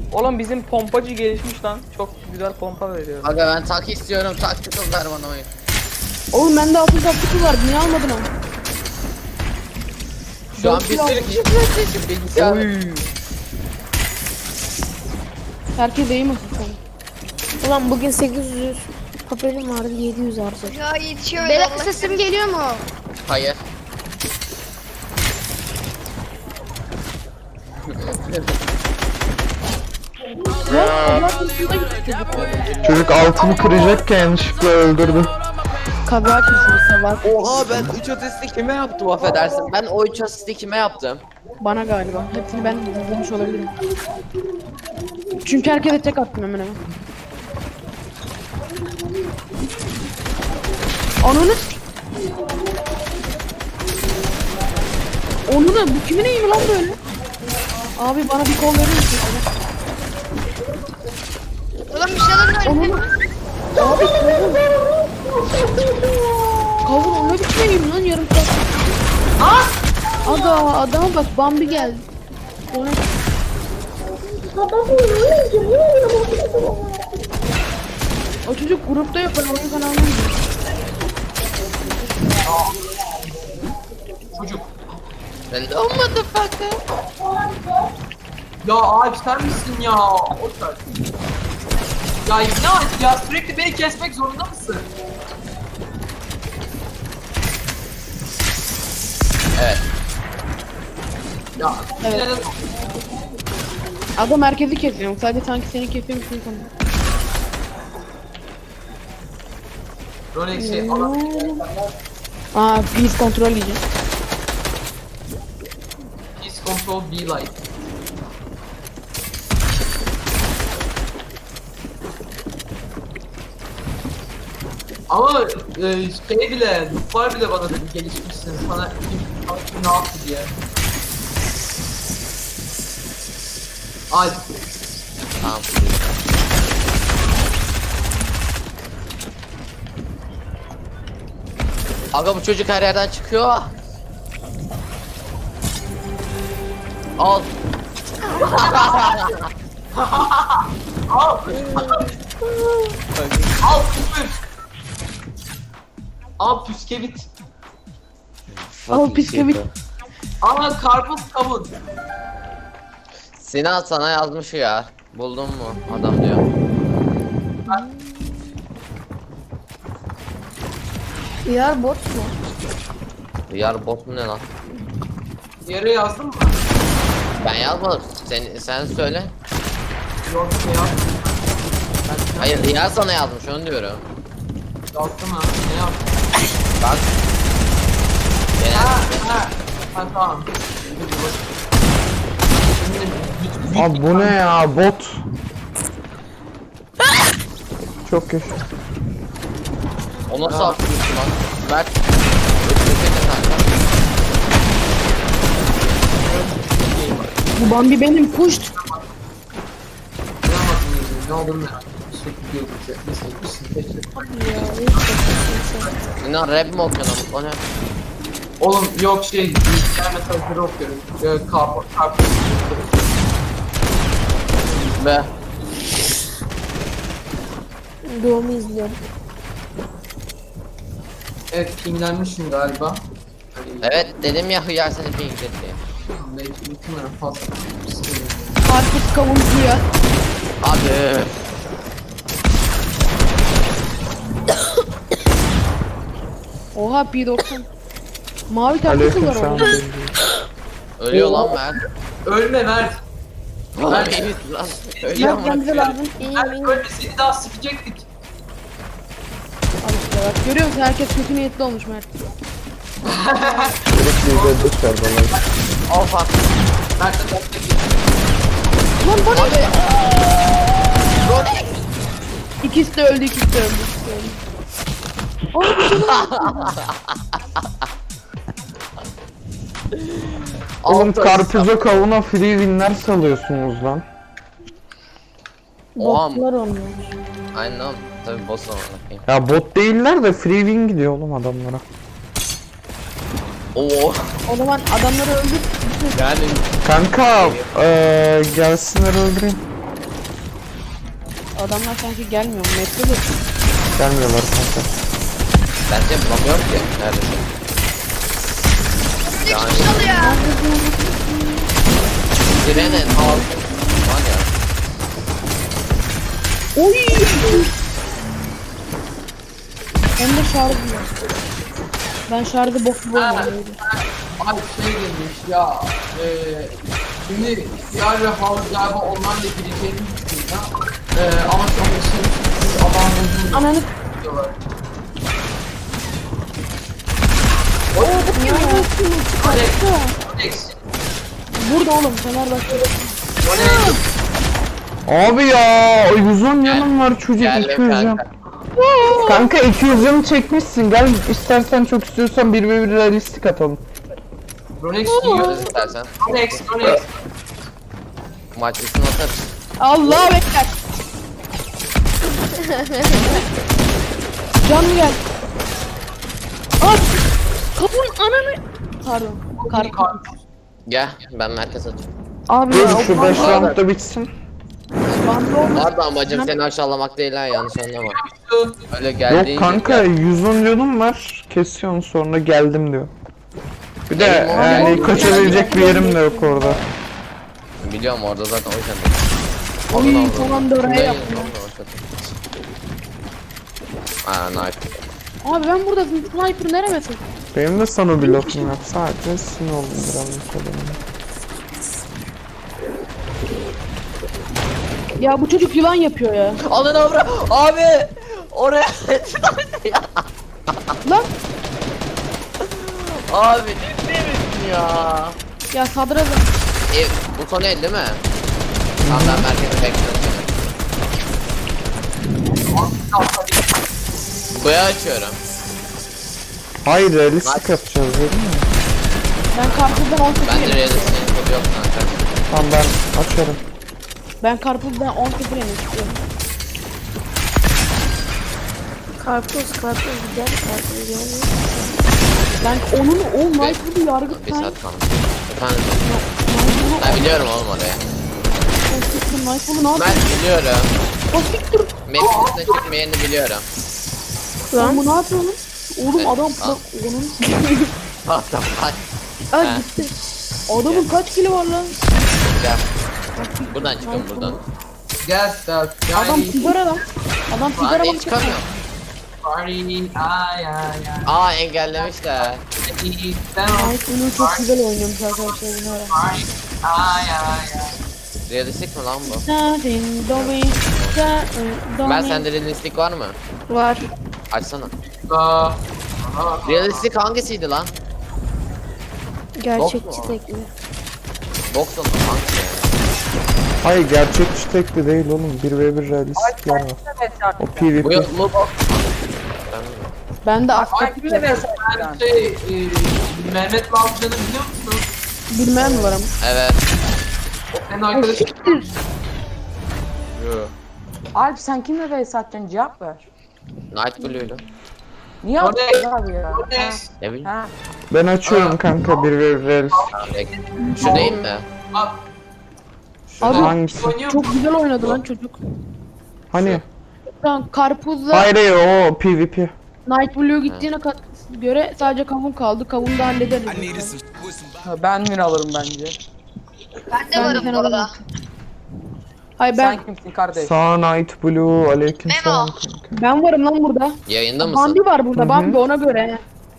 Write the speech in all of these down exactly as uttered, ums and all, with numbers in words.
Oğlum bizim pompacı gelişmiş lan. Çok güzel pompa veriyor. Aga ben tak istiyorum. Tactical ver bana oyun. Oğlum bende altın taktikli var. Niye almadın onu? Şu an bir sürü kişi PlayStation bilgisayar. Oy. Herkes iyi mi sen? Ulan bugün sekiz yüz papelim vardı, yedi yüz harcadım. Ya yetişiyor. Beyler Allah. sesim geliyor mu? Hayır. Çocuk altını kıracakken yanlışlıkla öldürdü. Kabahat düşünürse var. Oha ben üç asisti kime yaptım affedersin. Ben o üç asisti kime yaptım? Bana galiba. Hepsini ben bulmuş olabilirim. Çünkü herkese tek attım hemen hemen. Ananı s- Onu da bu kimin eğimi lan böyle? Abi bana bir kol verir misin? Ulan bir şeyler Onu var. da... Abi kavun o ne biçim eğim lan yarım saat. Aga adama bak Bambi geldi. O ne? O çocuk grupta yok, ben oyun kanalına gidiyorum. Çocuk. Hello motherfucker. Ya abi sen misin ya? O sen. Ya ne Alp ya, sürekli beni kesmek zorunda mısın? Evet. Ya Evet. evet. Adam herkesi kesiyor. Sadece sanki seni kesiyormuş gibi sanıyor. Rolex şey falan. Aa, biz kontrol diyeceğim. Peace control be like. Ama e, şey bile, Nufar bile bana dedi gelişmişsin. Sana kim, sana kim ne yaptı diye. Ay, Tamam. Aga bu çocuk her yerden çıkıyor. Al. al! al küfür! Al püskevit! Al bisküvit. Al karpuz kavun! Sinan sana yazmış ya. Buldun mu? Adam diyor. Yar bot mu? Yar bot mu ne lan? Yere yazdın mı? Ben yazmadım. Sen sen söyle. Yok şey yazdım. Hayır ya sana yazmış onu diyorum. Yazdım ha. Ne yaptın? Bak. Ha Genel. ha. Ha tamam. Şimdi Abi bu ne ya bot. Çok kötü. O nasıl yapıyorsun lan? Mert. Ötürüne kanka. Bu Bambi benim puşt. ne olur ne? Sürekli diyordum ki. Neyse, neyse, neyse. Sinan rap mi okuyorsun ama? O ne? Oğlum yok şey, bilgisayar mesajları okuyorum. Ee, Karpuz, karpuz. Be. Doğumu izliyorum. Evet, pinglenmişim galiba. Evet dedim ya hıyar seni ping diye. Belki bütün fazla. Karpuz kavuncu ya. Abi. Oha P doksan. Mavi taktikli var Aleyküm orada. selam. Ölüyor lan Mert. Ölme Mert. Lan iyi lan. Ölüyor Mert kendisi mu? lazım. İyiyim Mert iyiyim. ölme, seni daha sikecektik. Al işte bak. Görüyor musun? Herkes kötü niyetli olmuş Mert. Sürekli izledik ver bana. Oha. Mert de tatlı git. Lan bu ne? Abi. Rolex. İkisi de öldü, ikisi de öldü. ikisi de öldü. Oğlum Altı karpuza kavuna free winler salıyorsunuz lan. Oha. Botlar oynuyor. Aynen oğlum. Tabii boss ama. bakayım. Ya bot değiller de free win gidiyor oğlum adamlara. Oo. O zaman adamları öldür. Yani Kanka eee gelsinler öldüreyim. Adamlar sanki gelmiyor. Map'te de. Gelmiyorlar kanka. Ben seni bulamıyorum ki. Neredesin? Yani. Trenin altı. Var ya. Oy! Hem de şarjı yok. Ben şarjı bok gibi oynuyorum. Abi şey demiş ya. Eee şimdi diğer ve havuz galiba onlarla gireceğini düşünüyor. Eee ama çok aşırı adam bozuldu Ananı diyorlar. Alex, Alex, burada oğlum Fenerbahçe. Alex. Abi ya yüz on yanım var çocuk Geldim iki yüz yan. kanka. Kanka iki yüz yanı çekmişsin gel istersen çok istiyorsan bir ve bir realistik atalım. Rolex Göz diyor. istersen. Rolex, Rolex. Maç üstüne atarız. Allah bekler. Can gel. At. Kapın ananı. Pardon. Kar. Gel ben merkez atıyorum. Abi ya Dur o şu beş bandı- round da bitsin. bandı olmasa- Var da amacım seni aşağılamak değil ha, yanlış anlama. Öyle geldi. Yok kanka yüz on yanım var kesiyorsun sonra geldim diyor. Bir de Benim o yani geldi. kaçabilecek bir yerim de yok orada. Biliyorum orada zaten o yüzden. Oy falan da oraya yaptım. Aa knife. Abi ben burada sniper nereye tek? Benim de sana bir lafım yok sadece sinir oldum biraz mesela. Ya bu çocuk yılan yapıyor ya. Alın avra. Abi. Oraya. Lan Abi ciddi misin ya? ya sadra E, bu son el değil mi? Tamam ben merkeze bekliyorum seni. Boya açıyorum. Hayır realistik Nice. yapacağız dedim mi? ben karpuzdan on sekiz Bende yedim. realistik kodu yok kanka. Tamam ben açarım. Ben karpuzdan on sekiz yemek istiyorum. Karpuz karpuz güzel karpuz yani. Ben onun o Michael'ı yargıt Bir ben. saat kalmış. Efendim. Ben biliyorum oğlum oraya. Michael'ı ne Ben yapıyor? biliyorum. O siktir. Map'in üstüne çıkmayanı biliyorum. Lan bu ne yapıyor lan? Oğlum Evet, adam al. bak onun Hatta bak. Aa He. gitti. adamın kaç kilo var lan? Gel. Buradan çıkın buradan. Gel, gel. Adam sigara lan. Adam Lan sigara hiç bak. çıkamıyorum. Party, ay ay ay. Aa engellemişler. Michael'ı çok güzel oynuyormuş arkadaşlar bunu öğren. Party, ay ay ay. Realistik mi lan bu? Nothing doing, Ben sende realistik var mı? Var. Açsana. Aa, aa. Realistik hangisiydi lan? Gerçekçi tekne. Boxon mu? Hangisi yani? Hayır gerçekçi tekli değil oğlum bir ve bir realistikler var. O Bu PvP. yok mu? Ben Ben de Ay, aktif bir de ben şey, e, Mehmet Lavcan'ı biliyor musun? bilmeyen mi var ama? Evet. Senin arkadaşın. Yo. Alp sen kimle vs atacaksın cevap ver. Night Blue'ydu. Niye Orada- atıyorsun abi ya? Rolex, Ne bileyim. Ha. Ben açıyorum kanka bir ve bir realistik. Tamam, bekle. Şu değil mi? bak. Abi Hangisi? Oynuyor çok musun? güzel oynadı lan çocuk. Hani? Tamam karpuzla Hayır hayır o PvP. Night Blue gittiğine kat göre sadece kavun kaldı. Kavunu da hallederiz. Ben win alırım bence. Ben de varım bu arada. Hayır ben Sen kimsin kardeş? Sağ Night Blue aleyküm selam kanka. ben varım lan burada. Yayında mısın? Bambi var burada. Bambi ona göre.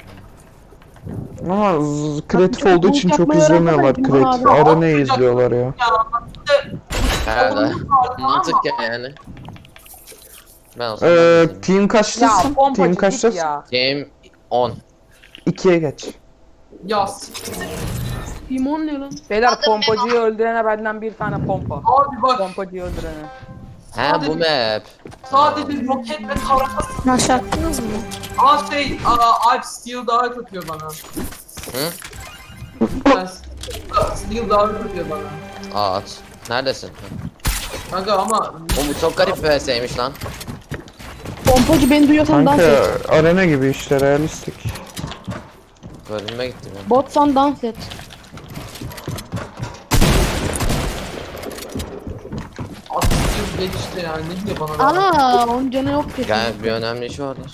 Ama z- kreatif Çok olduğu için çok çok yapmayı izlemiyorlar öğrenmedim kreatif. abi. Arana'yı izliyorlar ya. Ya, Herhalde. Mantık yani. Ben olsam Ee, ben de team Ya kaçtasın? pompacı Team git kaçtasın? ya. Game on. ikiye geç. ya siktir. Timon ne lan? Beyler pompacıyı öldürene benden bir tane pompa. Abi bak Pompacıyı öldürene. He bu map. sadece roket ve tarafası. Aşağı attınız mı? Aa şey, aa, Alp Steel davet atıyor bana. Hı? Ben Steel davet atıyor bana. Aa at. Neredesin? Hı. Kanka ama Oğlum bu çok garip bir V S'ymiş lan. Pompacı beni duyuyorsan dans Kanka et. arena gibi işte realistik. Bölünme gitti benim. Botsan dans et. at- kız geç işte yani ne diyor bana da. Ana onun canı yok kesin. Gel bir önemli işi vardır.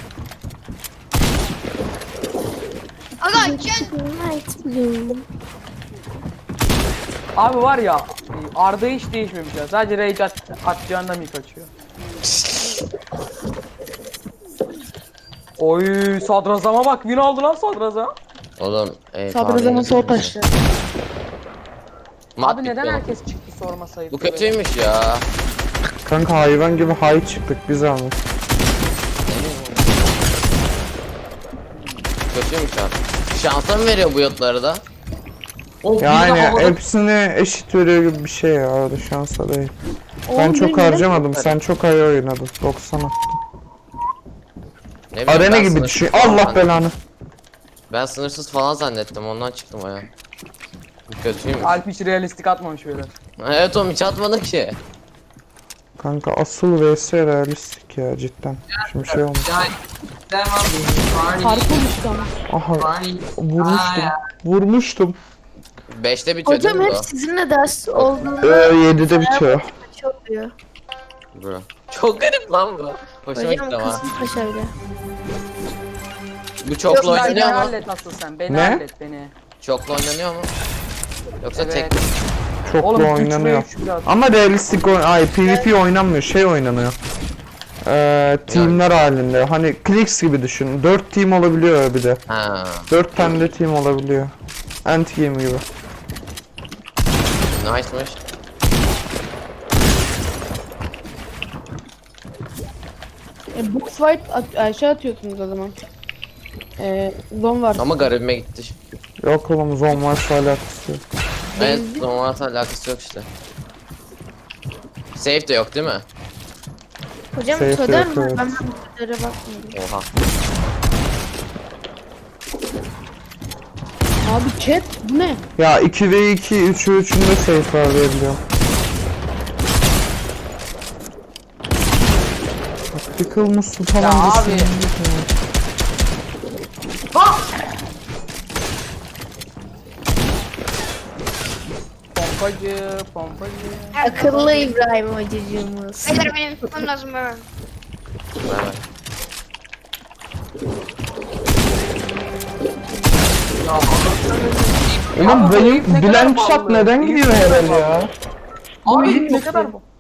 Aga gel. Night Blue. Abi var ya Arda hiç değişmemiş ya. Sadece rage at, atacağında mı kaçıyor? Oy sadrazama bak win aldı lan sadrazam. Oğlum. E, Sadrazamın sol taşları. Abi neden herkes çıktı sorma sayıp. Bu kötüymüş ya. Kanka hayvan gibi hay çıktık biz abi. Kötüymüş abi. Şansa mı veriyor bu yotları da? O bir de Yani havada- hepsini eşit veriyor gibi bir şey ya, öyle şansa değil. Ben Oğlum, çok benim harcamadım, neden- sen çok ay oynadın. doksan attın. Ne bileyim, Arena ben gibi sınırsız düşün. falan Allah zannet- belanı. Ben sınırsız falan zannettim, ondan çıktım aya. Bu kötüymüş. Alp hiç realistik atmamış böyle. Evet oğlum hiç atmadım ki. Kanka asıl vs realistik ya cidden. Şimdi şey olmuş. Yani demem Barney. Parkur düştü ama. Aha Barney. vurmuştum. Aa, Vurmuştum. beşte bitiyor Hocam değil mi hep sizinle ders olduğunda Ee, yedide bitiyor. çok oluyor. bu? Bro. Çok garip lan bu. Hoşuma Hocam gitti ama. Kasımpaşa öyle. Bu çoklu Sen beni oynanıyor mu? hallet asıl sen. Beni Ne? hallet beni. Çoklu oynanıyor mu? Yoksa Evet. tek mi? Çok Oğlum da üç ve oynanıyor. üç biraz. Ama realistik oyn ay PvP oynanmıyor, şey oynanıyor. Ee, teamler halinde. Hani Clix gibi düşün. dört team olabiliyor bir de. Ha. dört tane de team olabiliyor. Anti game gibi. Nice'mış. E, box fight at aşağı atıyorsunuz o zaman. E, zon var. Ama garibime gitti. Yok oğlum, zon varsa alakası yok. Evet, normalde alakası yok işte. Safe de yok değil mi? Hocam Safe söyler yok, mi? evet. Ben bu kadara bakmıyorum. Oha. Abi chat bu ne? Ya iki ve iki, üç ve üçünde safe var diye biliyorum. Tactical musun falan Ya abi. desin. Pompacı, pompacı. Akıllı İbrahim hocacığımız. Beyler benim tutmam lazım böyle. Evet. Oğlum Abi bu herif ne benim kadar Blank ballı. Shot neden Herif gidiyor ne kadar herhalde ya? Abi ne kadar bu?